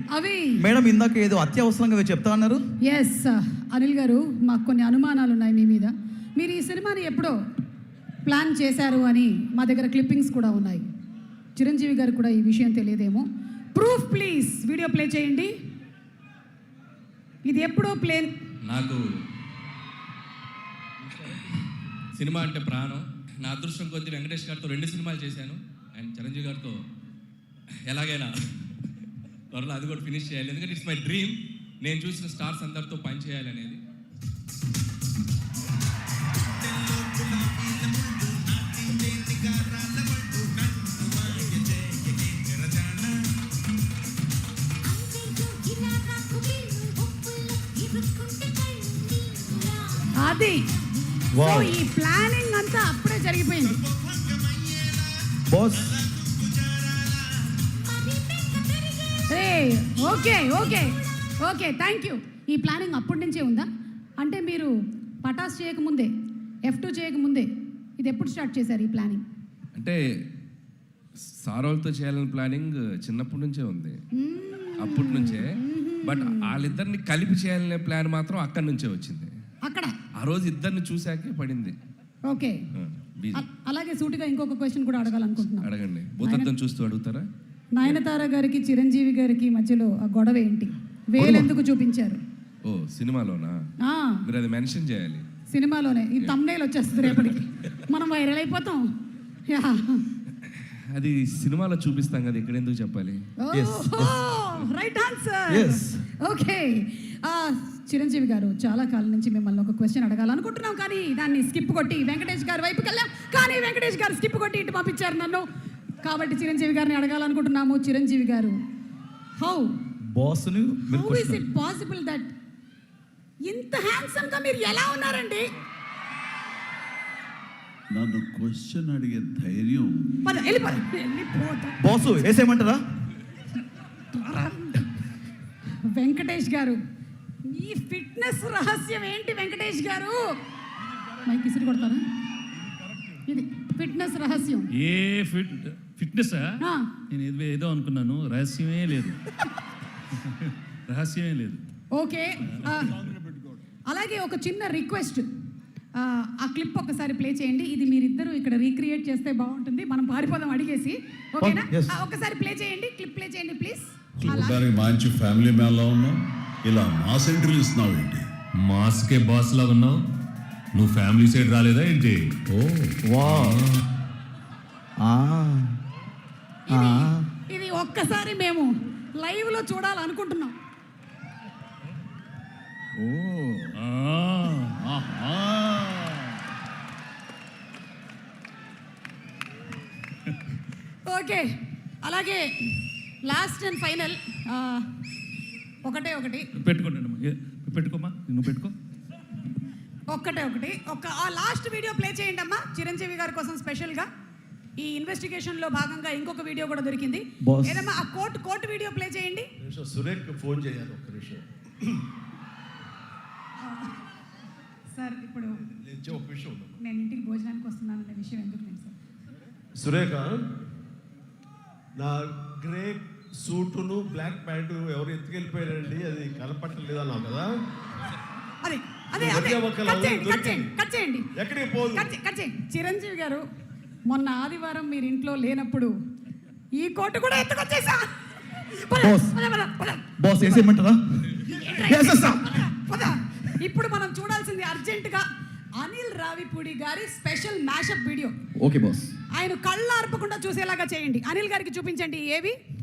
అవి మేడం ఇందాక ఏదో అత్యవసరంగా చెప్తా అన్నారు. ఎస్ అనిల్ గారు, మాకు కొన్ని అనుమానాలు ఉన్నాయి మీ మీద. మీరు ఈ సినిమాని ఎప్పుడో ప్లాన్ చేశారు అని మా దగ్గర క్లిప్పింగ్స్ కూడా ఉన్నాయి. చిరంజీవి గారు కూడా ఈ విషయం తెలియదేమో. ప్రూఫ్ ప్లీజ్, వీడియో ప్లే చేయండి. ఇది ఎప్పుడో ప్లేన్. నాకు సినిమా అంటే ప్రాణం. నా అదృష్టం కొద్ది వెంకటేష్ గారితో 2 సినిమాలు చేశాను. అండ్ చిరంజీవి గారితో ఎలాగైనా త్వరలో అది కూడా ఫినిష్ చేయాలి. ఎందుకంటే ఇట్స్ మై డ్రీమ్. నేను చూసిన స్టార్స్ అందరితో పని చేయాలనేది. అది ఈ ప్లానింగ్ అంతా అప్పుడే జరిగిపోయింది boss. Okay okay okay, thank you. ఈ ప్లానింగ్ అప్పటి నుంచే ఉందా? అంటే మీరు పటాస్ చేయకముందే, F2 చేయకముందే ఇది ఎప్పుడు స్టార్ట్ చేశారు ఈ ప్లానింగ్? అంటే సారోల్తో చేయాలని ప్లానింగ్ చిన్నప్పటి నుంచే ఉంది, అప్పటి నుంచే. బట్ వాళ్ళిద్దరిని కలిపి చేయాలనే ప్లాన్ మాత్రం అక్కడి నుంచే వచ్చింది. అక్కడ ఆ రోజు ఇద్దరిని చూశాకే పడింది. ఓకే, అలాగే సూటిగా ఇంకొక క్వశ్చన్ కూడా అడగాలనుకుంటున్నాను. అడగండి. భూతత్వం చూస్తూ అడుగుతారా? నయనతార గారికి చిరంజీవి గారికి మధ్యలో ఆ గొడవ ఏంటి? వేలెందుకు చూపించారు? ఓ సినిమాలోనా? మీరు అది మెన్షన్ చేయాలి. సినిమాలోనే ఈ థంబ్నెయిల్ వచ్చేస్తుంది రేపటికి, మనం వైరల్ అయిపోతాం. అది సినిమాలో చూపిస్తాం కదా, ఇక్కడ ఎందుకు చెప్పాలి? Right answer. ఓకే, చిరంజీవి గారు, చాలా కాలం నుంచి మిమ్మల్ని ఒక క్వశ్చన్ అడగాలనుకుంటున్నాం, కానీ దాన్ని స్కిప్ కొట్టి వెంకటేష్ గారి వైపుకి వెళ్ళాం. కానీ వెంకటేష్ గారు స్కిప్ కొట్టి ఇటు పంపించారు నన్ను. కాబట్టి చిరంజీవి గారిని అడగాలనుకుంటున్నాము. Chiranjeevi garu, how is it possible that ఇంత హ్యాండ్సమ్ గా మీరు ఎలా ఉన్నారండి? నన్ను క్వశ్చన్ అడిగే ధైర్యం బాసు వేసేయమంటారా? వెంకటేష్ గారు, ఈ ఫిట్నెస్ రహస్యం ఏంటి వెంకటేష్ గారు? మైక్ ఇసిరి కొడతారా? ఇది ఫిట్నెస్ రహస్యం. ఏ ఫిట్నెస్ నేను ఏదో అనుకున్నాను, రహస్యమే లేదు. రహస్యమే లేదు. ఓకే, అలాగే ఒక చిన్న రిక్వెస్ట్, ఆ క్లిప్ ఒకసారి ప్లే చేయండి. ఇది మీరిద్దరూ ఇక్కడ రీక్రియేట్ చేస్తే బాగుంటుంది. మనం పారిపోదాం అడిగేసి. ఓకేనా? ఒకసారి ప్లే చేయండి, క్లిప్ ప్లే చేయండి ప్లీజ్. చూడడానికి మంచి ఫ్యామిలీ మ్యాన్ లా ఉన్నావు, ఇలా మాస్ ఎంట్రీ ఇస్తున్నావు ఏంటి? మాస్కే బాస్ లా ఉన్నావు, నువ్వు ఫ్యామిలీ సైడ్ రాలేదా ఏంటి? ఇది ఒక్కసారి మేము లైవ్ లో చూడాలనుకుంటున్నాం. ఓకే, అలాగే లాస్ట్ అండ్ ఫైనల్ ఒకటి పెట్టుకోమా, నువ్వు పెట్టుకో. ఒకటి ఆ లాస్ట్ వీడియో ప్లే చేయండి అమ్మా, చిరంజీవి గారి కోసం స్పెషల్గా. ఈ ఇన్వెస్టిగేషన్ లో భాగంగా ఇంకొక వీడియో కూడా దొరికింది. ఏదమ్మా ఆ కోర్టు వీడియో ప్లే చేయండి. సురేఖ్ ఫోన్ చేయాలి ఒక్క నిమిషం. సార్, ఇప్పుడు నేను ఇంటికి భోజనానికి వస్తున్నాను అనే విషయం ఎందుకు లేదు సార్? సురేఖ, నా గ్రే సూటును బ్లాక్ ప్యాంటు ఎవరు ఎత్తుకెళ్ళిపోయారండి, అది కనపట్టలేదు అన్నావు కదా? ఎక్కడికి పోదు. చిరంజీవి గారు, మొన్న ఆదివారం మీరు ఇంట్లో లేనప్పుడు ఈ కోటు కూడా ఎత్తుకొచ్చేసా. ఇప్పుడు మనం చూడాల్సింది అర్జెంటుగా అనిల్ రావిపూడి గారి special mashup video. Okay boss, ఆయన కళ్ళు ఆర్పకుండా చూసేలాగా చేయండి. అనిల్ గారికి చూపించండి ఏవి.